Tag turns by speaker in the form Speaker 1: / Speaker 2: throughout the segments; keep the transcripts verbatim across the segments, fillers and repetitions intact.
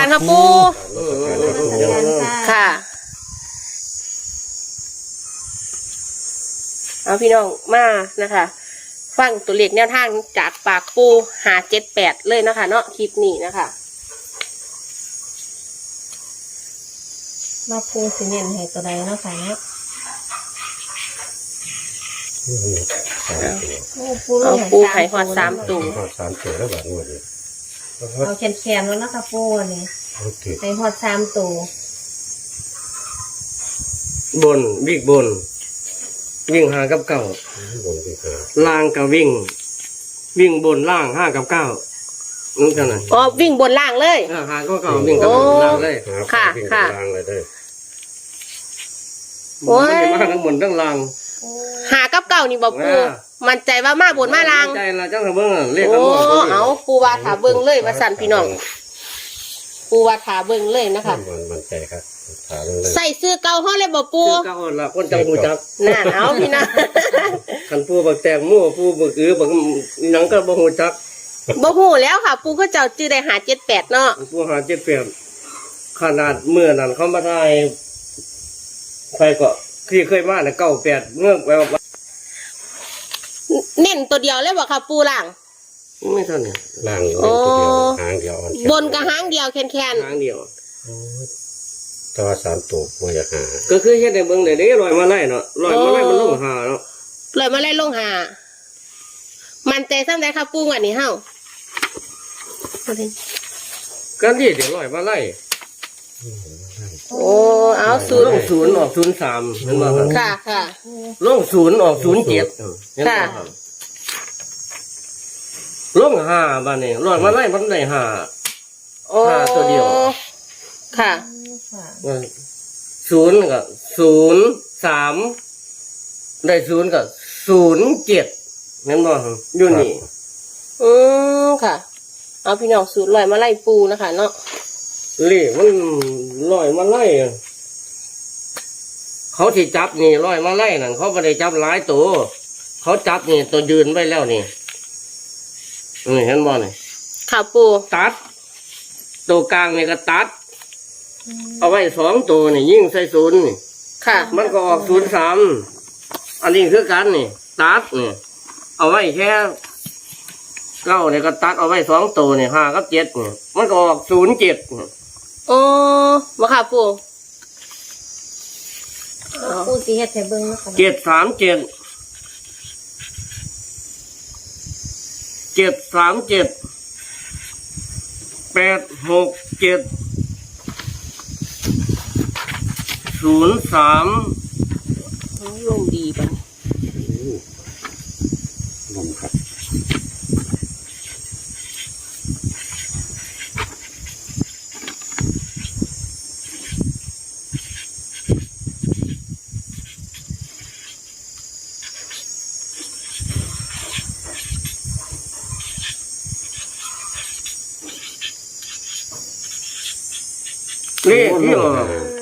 Speaker 1: ค่ะปูค่ะเอาพี่น้องมานะคะฟังตัวเลขแนวทางจากปากปูหาเจ็ดแปดเลยนะคะเนาะคลิปนี้นะคะมาปูสิเน้นให้ตัวใดเนาะค่ะเนาะเอาปูไข่หอดสามตัว
Speaker 2: หอดสามตัวแล้วแบบนี้เลย
Speaker 3: เอาแขนๆแล้วนะคะปูนี่ไข่หอดสามตัว
Speaker 4: บนวิ่งบนวิ่งหากับเก้าล่างกับวิ่งวิ่งบนล่างห้ากับเก้านั่นกันนะ
Speaker 1: อ๋อวิ่งบนล่างเลย
Speaker 4: หาก็เก้าวิ่งกับบนล่างเลย
Speaker 1: ค่ะค่ะ
Speaker 2: ล่างเลยได้
Speaker 4: โอ้ยมาทั้งบนทั้งล่าง
Speaker 1: หากับเก้านี่บอกปูมันใจว่ามาบนมาล่าง
Speaker 4: ใจละจังเบิ้งเรียก
Speaker 1: โอ้เอาปูว่าถาเบิ้งเลยว่าสั่นพี่น้องปูว่าถาเบิ้งเลยนะคะ
Speaker 2: มันใจครับ
Speaker 1: ใส่เสื้อเก่าห้อเลยบอกปู
Speaker 4: เก่าละคนจังหูจัก
Speaker 1: น่าเอาพี่นะ
Speaker 4: ขันปูบักแตงมั่วปูบักอือบักหนังก็บ่หูจัก
Speaker 1: บ่หูแล้วค่ะปูก็เจ้าจื้อได้หาเจ็ดแปดเนาะ
Speaker 4: ปูหาเจ็ดแปดขนาดเมื่อนั้นเขามาได้ใครก็ที่เคยมาเนี่ยเก้าแปดเมื่อแบบ
Speaker 1: เน้นตัวเดียวเลยบอกค่ะปูล่าง
Speaker 4: ไม่เท่านี้
Speaker 2: ล่างตัวเดียวหางเดียว
Speaker 1: บนกับหางเดียวแคนแคน
Speaker 4: หางเดียว
Speaker 2: ตัวสามตัวมันจะหา
Speaker 4: ก็คือเฮ็ดในเบิ่งได้เด้ลอยมาไล่เนาะลอยมาไล่มันลงหาเนาะ
Speaker 1: ลอยมาไล่ลงหามันใจซ้ำได้ค่ะปูวันนี้เฮา
Speaker 4: กันที่เดี๋ยวลอยมาไล่
Speaker 1: โอ้เอาศูนย์
Speaker 4: ลงศูนย์ออกศูนย์สามเห็นบ่ครับ
Speaker 1: ค่ะค่ะ
Speaker 4: ลงศูนย์ออกศูนย์เจ็ดเห็นบ่ครับลงห้าบ้านนี้ลอยมาไล่มันได้ห้าห้าตัวเดียว
Speaker 1: ค่ะ
Speaker 4: ศูนย์กับศูนย์สามได้ศูนย์กับศูนย์เจ็ดนั่นบ่อยู่นี่
Speaker 1: อืมค่ะเอาพี่น้องศูนย์ลอยมาไล่ปูนะคะเนาะ
Speaker 4: เลขมันลอยมาไล่เขาที่จับนี่ลอยมาไล่นั่นเขาไม่ได้จับหลายตัวเขาจับนี่ตัวยืนไว้แล้วนี่นี่เห็นบ่นี่
Speaker 1: ค่ะปู
Speaker 4: ตัดตัวกลางนี่ก็ตัดเอาไว้สองตัวนี่ยิ่งใส่ศูนย์นี่
Speaker 1: ค่ะ
Speaker 4: มันก็ออกศูนย์สามอันนี้คือกันนี่ตัดนี่เอาไว้แค่เก้าเนี่ยก็ตัดเอาไว้สองตัวนี่ห้ากับเจ็ดนี่มันก็ออกศูนย์เจ็ด
Speaker 1: โอ้มาค่ะปู
Speaker 3: ปูสีเฮ็ดให้เบิ่งนะคะ
Speaker 4: เจ็ดสามเจ็ดเจ็ดสามเจ็ดแปดหกเจ็ดศูนย์สาม
Speaker 1: ลงดีป่ะ
Speaker 2: ลงครับ
Speaker 4: นี่ที่ออก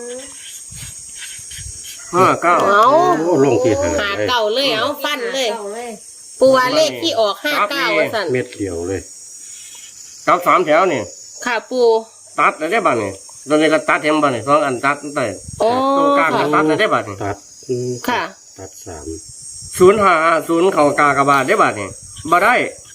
Speaker 4: ห้าเก้า
Speaker 1: เอา
Speaker 2: ลงที่หา
Speaker 1: หาเก่าเลยเอาฟันเลยปูว่าเลขที่ออกห้าเก้าสั่น
Speaker 2: เม็ดเดียวเลย
Speaker 4: ตัดสามแถวนี่
Speaker 1: ค่ะปู
Speaker 4: ตัดได้บ้างนี่ตอนนี้ก็ตัดเห็นบ้างนี่สองอันตัดตั้งแต่ตรงกลางตัดได้บ้างนี่
Speaker 2: ตัด
Speaker 1: ค่ะ
Speaker 2: ตัดสาม
Speaker 4: ศูนย์ห้าศูนย์เข่ากากบาทได้บ้างนี่บ่ได้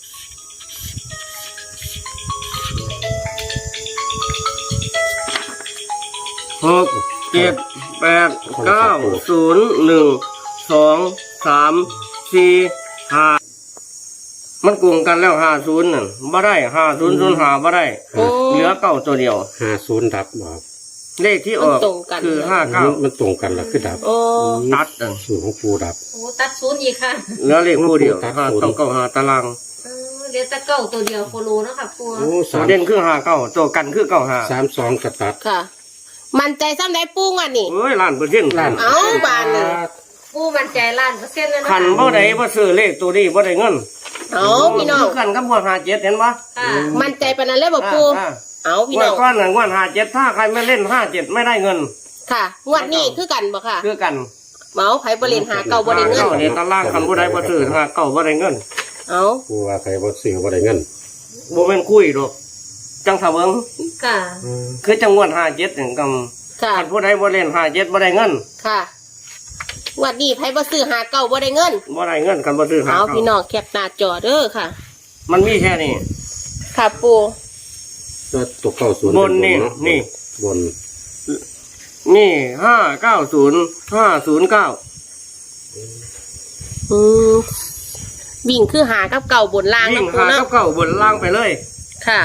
Speaker 4: หกเจ็ดแปดเก้าศูนย์หนึ่งสองสามสี่ห้ามันกลุ่มกันแล้วห้าศูนย์นั่นบ่ได้ห้าศูนย์ศูนย์ห้าบ่ได้เหลือเก้าตัวเดียว
Speaker 2: ห้าศูนย์ดับบอก
Speaker 4: เลขที่ออกคือห้าเก้า
Speaker 2: มันตรงกันแล้วคือดับ
Speaker 4: ตัดอ่ะ
Speaker 2: ศูนย์ของปูดับ
Speaker 3: โอ้ตัดศูนย์อีกค่ะ
Speaker 4: เหลือเลขคู่เดียวห้าต้องเก้าห้าตาราง
Speaker 3: เหลือแต่เก้าตัวเดียวโคโลนะคะปู
Speaker 4: เด่นคือห้าเก้าตัวกันคือเก้าห้า
Speaker 2: สามสองกระตัด
Speaker 1: ค่ะมันใจซ้ำได้ปูอ่ะนี่
Speaker 4: เอ้ยล้านเปอร์เซ็นต์ล้าน
Speaker 1: เอาบานเลย
Speaker 3: ปูมันใจล้านเปอร์เซ็นต์เลยนะ
Speaker 4: ขันบ่ได้บ่ซื้อเลขตัวนี้บ่ได้เงิน
Speaker 1: เอาพี่น้อง
Speaker 4: กันกับงวดห้าเจ็ดเห็นปะ
Speaker 1: มันใจปานนั้นเลยบอกปูเอาพี่น้อง
Speaker 4: งวดก้อนหนึ่งงวดห้าเจ็ดถ้าใครไม่เล่นห้าเจ็ดไม่ได้เงิน
Speaker 1: ค่ะงวดนี้คือกันบ่ค่ะ
Speaker 4: คือกัน
Speaker 1: เมาไผบริเวณหาเก่าบ่ได้เงิน
Speaker 4: เนี่ยตารางคันบ่ได้บ่ซื้อหาเก่าบ่ได้เงิน
Speaker 1: เอา
Speaker 2: ปูว่าใครบ่ซื้อบ่ได้เงิน
Speaker 4: บ่แม่นคุยหรอกจังสะเบิง
Speaker 3: ค่ะ
Speaker 4: คือจังงวดห้าเจ็ดนี่ก
Speaker 1: ค่ะ
Speaker 4: ำคันผู้ใดบ่เล่นห้าเจ็ดบ่ได้เงิน
Speaker 1: ค่ะงวันนี้ไผบ่ซื้อหาเก่าบ่ได้เงิน
Speaker 4: บ่ได้เงินกันบ่ซื้อหา
Speaker 1: เอา
Speaker 4: เก่า
Speaker 1: พี่น้องแคปหน้าจอเด้อค่ะ
Speaker 4: มันมีแค่นี้
Speaker 1: ค่ะปู
Speaker 2: ก็ตัวเก้าศูนย์
Speaker 4: บนนี่
Speaker 2: เป็เาะ
Speaker 4: นี่
Speaker 2: บน
Speaker 4: นี่ห้าเก้าศูนย์ห้าศูนย์เก้า
Speaker 1: อืมวิ่งคือหากับเก่าบนล่าง
Speaker 4: ยิ่ง
Speaker 1: นะปู
Speaker 4: หา
Speaker 1: เนาะ
Speaker 4: กับเก่าบนล่างไปเลย
Speaker 1: ค่ะ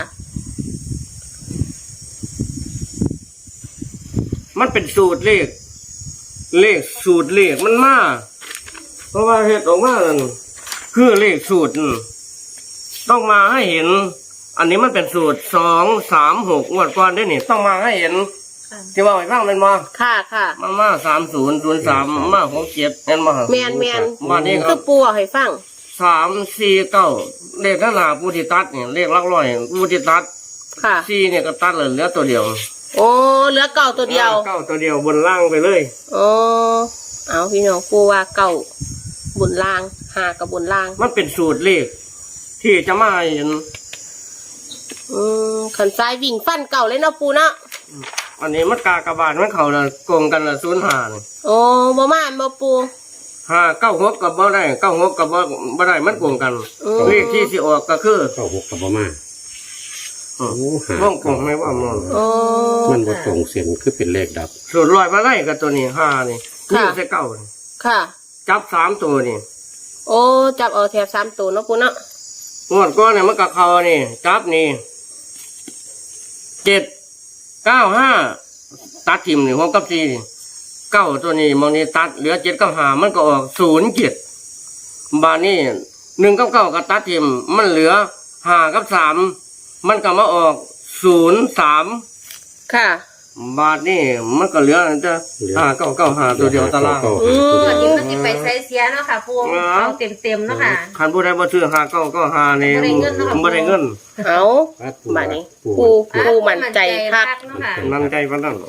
Speaker 4: มันเป็นสูตรเลข เลขสูตรเลขมันมาเพราะว่าเหตุออกมานั่นคือเลขสูตรนั่นต้องมาให้เห็น อันนี้มันเป็นสูตรสองสามหกงวดก่อนด้วยนี่ต้องมาให้เห็น
Speaker 3: ค่ะ
Speaker 4: ที่ว่าไอ้บ้างมันมา
Speaker 1: ค่ะค่ะ
Speaker 4: มันมาสามศูนย์ศูนย์สามมาหกเจ็ดเห็นมา
Speaker 1: แมนแมน
Speaker 4: วันนี้ค
Speaker 1: คื
Speaker 4: รั
Speaker 1: อบ ปูเอาให้ฟัง
Speaker 4: สามสี่เก้าเลขข้างหน้าผู้ที่ตัดเนี่ยเลขหลักร้อยผู้ที่ตัด
Speaker 1: ค่ะ
Speaker 4: สี่เนี่ยก็ตัดเลยเหลือตัวเดียว
Speaker 1: โอ้เหลือเก่าตัวเดียว
Speaker 4: เก้าตัวเดียวบนล่างไปเลย
Speaker 1: โอ้เอาพี่น้องปูว่าเก่าบนล่างหากับบนล่าง
Speaker 4: มันเป็นสูตรเลข ที่จะมาให้เห็น
Speaker 1: อืมขันซ้ายวิ่งฟันเก่าเลยเนาะปูเนาะ
Speaker 4: อันนี้มันกากระบาดมันเขาละโกงกันละศูนย์หานี่
Speaker 1: โอ้บ่มาบ่ปู
Speaker 4: ห้าเก้าหกกับบ่ได้เก้าหกกับบ่บ่ได้มันโกงกัน
Speaker 1: อืม
Speaker 4: เลขที่สิออกก็คือ
Speaker 2: เก้าหกกับประมาณ
Speaker 4: อืม
Speaker 2: โอ้หา
Speaker 4: ว่องโกงไม่ว่ามัน
Speaker 1: โอ้
Speaker 2: มันบ่ตรงเสียนคือเป็นเลขดับ
Speaker 4: สูตรลอยมาได้กับตัวนี้ห้านี่
Speaker 1: ค่ะ
Speaker 4: นี่ใส่เก้านี่
Speaker 1: ค่ะ
Speaker 4: จับสามตัวนี่
Speaker 1: โอ้จับเอาแถบสามตัวเนาะปูเนาะ
Speaker 4: งวดก้อนเนี่ยมันกับเขานี่จับนี่เจ็ดเก้าห้าตัดทิมนี่หกกับสี่นี่เก้าตัวนี้มองนี่ตัดเหลือเจ็ดกับห้ามันก็ออกศูนย์เจ็ดบาทนี่หนึ่งกับเก้ากับตัดทิมมันเหลือห้ากับสามมันก็มาออกศูนย์สาม
Speaker 1: ค่ะ
Speaker 4: บาทนี่มันก็เหลือจะห้าเก้าเก้าห้าตัวเดียวตาราง
Speaker 2: เก้
Speaker 1: อืม
Speaker 3: วันนี้มันจะไปใช้เสียเนาะค่ะปู
Speaker 4: อ๋อ
Speaker 3: เอาเต็มเต็มๆเนาะค่ะ
Speaker 4: คันผู้ใดบ่ซื้อห้าเก้าเก้าห้านี่
Speaker 3: บ่ได้เงินเนาะครับ
Speaker 4: บ่ได้เงิน
Speaker 1: เอา
Speaker 2: วัด
Speaker 1: บาดนี้
Speaker 2: ปู
Speaker 1: ปูปูมั่นใจคัก
Speaker 3: เนาะค่ะ
Speaker 4: นั่นใจปานนั้น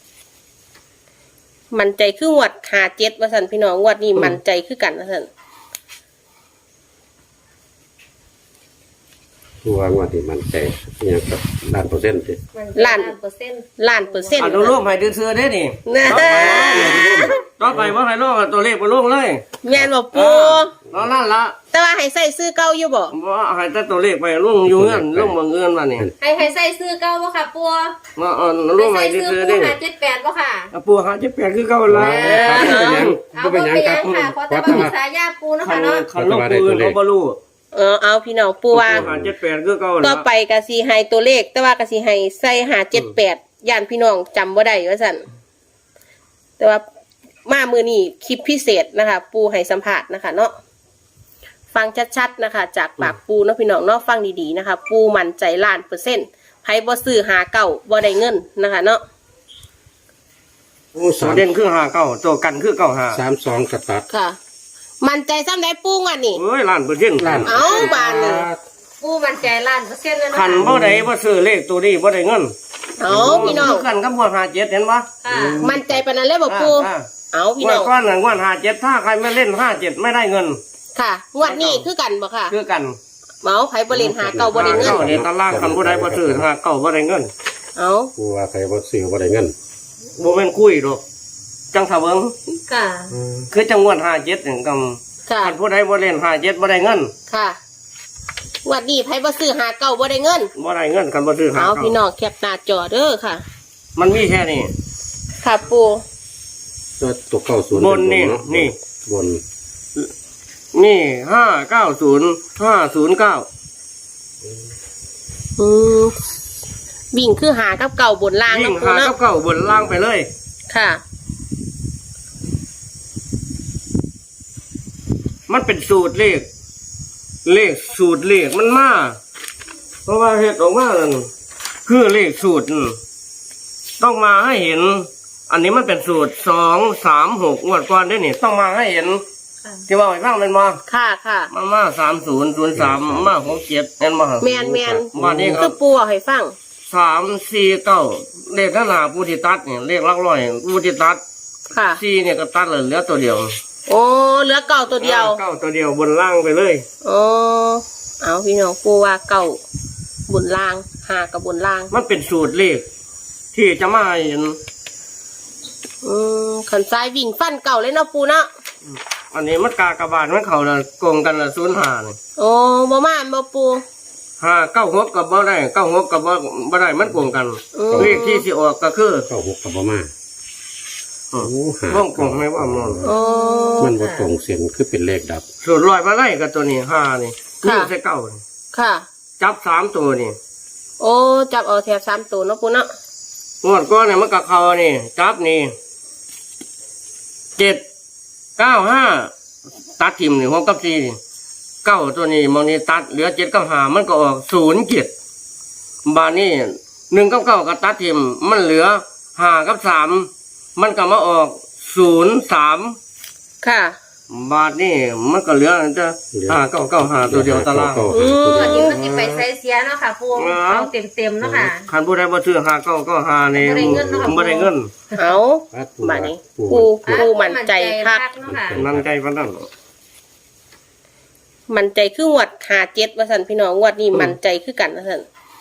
Speaker 1: มั่นใจคืองวดหาเจ็ดว่าสันพี่น้องงวดนี้มั่นใจคือกันว่าสัน
Speaker 2: ปูวางว่าที่มันใจเนี่ยกับล้านเปอร์เซ็นต์สิ
Speaker 3: ล้านเปอร์เซ็นต์
Speaker 1: ล้านเปอร์เซ็นต์
Speaker 4: อนุโลมให้ดื้อๆเด้นี่
Speaker 1: นะ
Speaker 4: ต่อไปว่าให้ลงตัวเลขไปลงเลย
Speaker 1: แม่นบอกปู
Speaker 4: เนาะนั่นละ
Speaker 1: แต่ว่าให้ใส่ซื้อเก่าอยู่บ่
Speaker 4: ว่าให้แต่ตัวเลขไปลงอยู่เงินลงบ่เงินว่านี่
Speaker 3: ให้ให้ใส่ซื้อเก้าบ่ค่ะปู
Speaker 4: เนาะเอาลง
Speaker 3: ให้
Speaker 4: ให้
Speaker 3: ใส่ซื้อ
Speaker 4: ดื้อๆ
Speaker 3: ปู
Speaker 4: เด้
Speaker 3: หาเจ็ดแปดบ่ค่ะ
Speaker 4: เอาปูหาจะแปลกคือเก่าละ
Speaker 2: ก็เป็นหยังก็เป็นหยังครับ
Speaker 3: ค่ะเพราะแต่
Speaker 2: วัด
Speaker 3: ว่า
Speaker 2: มา
Speaker 3: สายาปูเนาะ
Speaker 4: คั
Speaker 3: ค่ะ
Speaker 4: น
Speaker 3: เนาะ
Speaker 4: คันลงปูอื่นเขาบ่รู้
Speaker 1: เออเอาพี่น้องปูว่า
Speaker 4: หาเจ็ดแปดคือเก่า
Speaker 1: ต่
Speaker 4: ละ
Speaker 1: อไปกะสิให้ตัวเลข แต่ว่ากะสิให้ใส่หาเจ็ดแปดย่านพี่น้องจำบ่ได้ว่าสันแต่ว่ามามือนี้คลิปพิเศษนะคะ ปูให้สัมภาษณ์นะคะ เนาะฟังชัดๆนะคะ จากปากปูเนาะพี่น้องเนาะฟังดีๆนะคะ ปูมั่นใจล้านเปอร์เซ็นต์ไผบ่ซื้อหาเก่าบ่ได้เงินนะคะ เนาะ
Speaker 2: โอ้
Speaker 4: ตั
Speaker 2: สาว ม
Speaker 4: เด่นคือหาเก่าตัวกันคือเก่าหา
Speaker 2: สามสองกระตัด
Speaker 1: ค่ะ มั่นใจซ้ำได้ปูงวันนี้
Speaker 4: เอ้ยล้านเปอร์เซ็นต์
Speaker 2: ล้าน
Speaker 1: เอ้าบานนี่
Speaker 3: ปูมั่นใจล้านเปอร์เซ็นต์เลยเนาะ
Speaker 4: คันบ่ได้บ่ซื้อเลขตัวนี้บ่ได้เงิน
Speaker 1: เอาพี่น้อง
Speaker 4: กันกับงวดหาเจ็ดเห็นปะ
Speaker 3: ค่ะ
Speaker 1: มั่นใจปานนั้นเลยบ่ปู
Speaker 4: อ่า
Speaker 1: เอาพี่
Speaker 4: งว
Speaker 1: น้
Speaker 4: ด
Speaker 1: อง
Speaker 4: ก้อนหนึ่งงวดหาเจ็ดถ้าใครไม่เล่นห้าเจ็ดไม่ได้เงิน
Speaker 1: ค่ะงวดนี้คือกันบ่ค่ะ
Speaker 4: คือกัน
Speaker 1: เมาไผบ่เล่นหาเก่าบ่ได้เงิน
Speaker 4: เก้าเนี่ยตารางคันบ่ได้บ่ซื้อหาเก้าบ่ได้เงิน
Speaker 1: เอา
Speaker 2: ปูว่าใครบ่ซื้อบ่ได้เงิน
Speaker 4: บ่แม่นคุยดอกจังสะเบิง
Speaker 3: ค่ะ
Speaker 4: คือจังงวดหาเจ็ดนี่ก
Speaker 1: ค่ะ
Speaker 4: ำคันผู้ใดบ่เล่นหาเจ็ดบ่ได้เงิน
Speaker 1: ค่ะงวดนี้ไผบ่ซื้อหาเก่าบ่ได้เงิน
Speaker 4: บ่ได้เงินคันบ่ซื้อหา
Speaker 1: เอา
Speaker 4: เก้า
Speaker 1: พี่น้องแคปหน้าจอเด้อค่ะ
Speaker 4: มันมีแค่นี้
Speaker 1: ค่ะปู
Speaker 2: ก็ตัวเก้าศูนย์
Speaker 4: บนนี่
Speaker 2: เป็เาะ
Speaker 4: นี่
Speaker 2: บน
Speaker 4: นี่ห้าเก้าศูนย์ห้าศูนย์เก้า
Speaker 1: อืมวิ่งคือหากับเก่าบนล่าง
Speaker 4: ยิ่
Speaker 1: เนาะ
Speaker 4: ง
Speaker 1: ปู
Speaker 4: หา
Speaker 1: เนาะ
Speaker 4: เก้าเก้าบนล่างไปเลย
Speaker 1: ค่ะ
Speaker 4: มันเป็นสูตรเลข เลขสูตรเลขมันมาเพราะว่าเหตุออกมานั่นคือเลขสูตรนั่นต้องมาให้เห็น อันนี้มันเป็นสูตรสองสามหกงวดก่อนด้วยนี่ต้องมาให้เห็น
Speaker 3: ค่ะ
Speaker 4: ที่ว่าไอ้บ้างมันมา
Speaker 1: ค่ะค่ะ
Speaker 4: มามาสามศูนย์ศูนย์สามมาหกเจ็ดเห็นมา
Speaker 1: แมนแมน
Speaker 4: วันนี้ค
Speaker 1: คื
Speaker 4: รั
Speaker 1: อบ ปูเอาให้ฟัง
Speaker 4: สามสี่เก้าเลขข้างหน้าผู้ที่ตัดเนี่ยเลขหลักร้อยผู้ที่ตัด
Speaker 1: ค่ะ
Speaker 4: สี่เนี่ยก็ตัดเลยเหลือตัวเดียว
Speaker 1: โอ้เหลือเก่าตัวเดียว
Speaker 4: เก้าตัวเดียวบนล่างไปเลย
Speaker 1: โอ้เอาพี่น้องปูว่าเก่าบนล่างหากับบนล่าง
Speaker 4: มันเป็นสูตรเลขที่จะมาเห็น
Speaker 1: อืมขันซ้ายวิ่งฟันเก่าเลยเนาะปูเนาะ
Speaker 4: อันนี้มันกากระบาดมันเขาละโกงกันละศูนย์ห้านี่
Speaker 1: โอ้บ่มาบ่ปู
Speaker 4: ห้าเก้าหกกับบ่ได้เก้าหกกับบ่บ่ได้มันโกงกัน
Speaker 1: อืม
Speaker 4: เลขที่สิออกก็คือ
Speaker 2: เข้าหกกับบ่มา
Speaker 4: อืม
Speaker 2: โอ้หา
Speaker 4: ว่องโกงไม่ว่ามัน
Speaker 1: โอ้
Speaker 2: มันบ่ตรงเส้นคือเป็นเลขดับ
Speaker 4: สูตรลอยมาไล่กับตัวนี้ห้านี่
Speaker 1: ค่ะ
Speaker 4: นี่ใช่เก้านี่
Speaker 1: ค่ะ
Speaker 4: จับสามตัวนี่
Speaker 1: โอ้จับเอาแถบสามตัวเนาะปูเนาะ
Speaker 4: งวดก้อนเนี่ยมันกับเขานี่จับนี่เจ็ดเก้าห้าตัดทิมนี่หกกับสี่นี่เก้าตัวนี้มองนี่ตัดเหลือเจ็ดกับห้ามันก็ออกศูนย์เจ็ดบาทนี่หนึ่งกับเก้ากับตัดทิมมันเหลือห้ากับสามมันก็มาออกศูนย์สาม
Speaker 1: ค่ะ
Speaker 4: บาทนี่มันก็เหลือจะห้าเก้าเก้าห้าตัวเดียวตาราง
Speaker 1: อืม
Speaker 3: วันนี้มันจะไปใส่เสียเนาะค่ะปูเอาเต็มเต็มๆเนาะค่ะ
Speaker 4: คันผู้ใดบ่ซื้อห้าเก้าเก้าห้านี่
Speaker 3: บ่ได้เงินเนาะครับ
Speaker 4: บ่ได้เงิน
Speaker 1: เอาบัดนี้ปูปูมั่นใจคัก
Speaker 3: เนาะค่ะ
Speaker 4: นั่นใจปานนั้น
Speaker 1: มั่นใจคืองวดหาเจ็ดว่าสันพี่น้องงวดนี้มั่นใจคือกันว่าสัน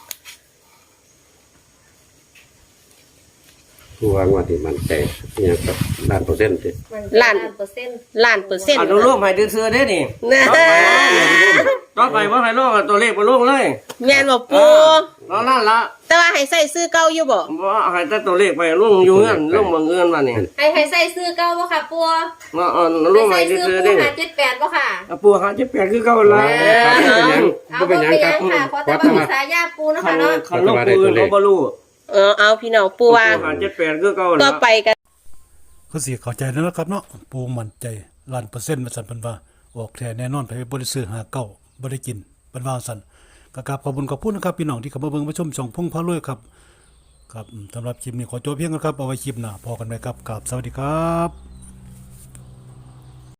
Speaker 2: ผู้ว่างว่าที่มันใจเนี่ยกับล้านเปอร์เซ็นต์ติ
Speaker 3: ล้านเปอร์เซ็นต์
Speaker 1: ล้านเปอร์เซ็นต์
Speaker 4: อนุโลมให้ดื้อๆเด้นี่
Speaker 1: นะ
Speaker 4: ต่อไปบ่ให้ลงตัวเลขบ่ลงเลย
Speaker 1: แม่นบ่ปู
Speaker 4: แล้วนั่นละ
Speaker 1: แต่ว่าให้ใส่ซื้อเก่าอยู่บ่
Speaker 4: บ่ให้แต่ตัวเลขไปลงอยู่เงินลงบ่เงินว่านี่
Speaker 3: ให้ให้ใส่ซื้อเก้าบ่ค่ะปู
Speaker 4: เนาะเอาลง
Speaker 3: ให้
Speaker 4: ให้
Speaker 3: ใส่ซื้อ
Speaker 4: ดื้อๆ
Speaker 3: ปู
Speaker 4: เด้
Speaker 3: หาเจ็ดแปดบ่ค่ะ
Speaker 4: เอาปูหาสิบแปดคือเก่าละ
Speaker 3: เอาบ่เป็นหยังค่ะเพราะแต่ว่ามีสายยาปูเนาะ
Speaker 4: คั
Speaker 3: ค่ะ
Speaker 4: น
Speaker 3: เนาะ
Speaker 4: คันลงปืนเขาบ่รู้
Speaker 1: เออเอาพี่น้องปูว่า
Speaker 4: หาสิบแปดคือเก่า
Speaker 1: ก็
Speaker 4: ละ
Speaker 1: ไปกัน
Speaker 5: ก็สิเข้าใจแล้วนะครับเนาะปูมั่นใจล้านเปอร์เซ็นต์ว่าซั่นเพิ่นว่าออกแท้แน่นอนไปบ่ได้ซื้อหาเก้าบ่ได้กินเพิ่นว่าซั่นก็กราบขอบคุณขอบคุณนะครับพี่น้องที่เข้ามาเบิ่งมาชมช่องพงพารวยครับครับอืมสำหรับคลิปนี้ขอจบเพียงเท่านี้ครับเอาไว้คลิปหน้าพอกันใหม่ครับกราบสวัสดีครับ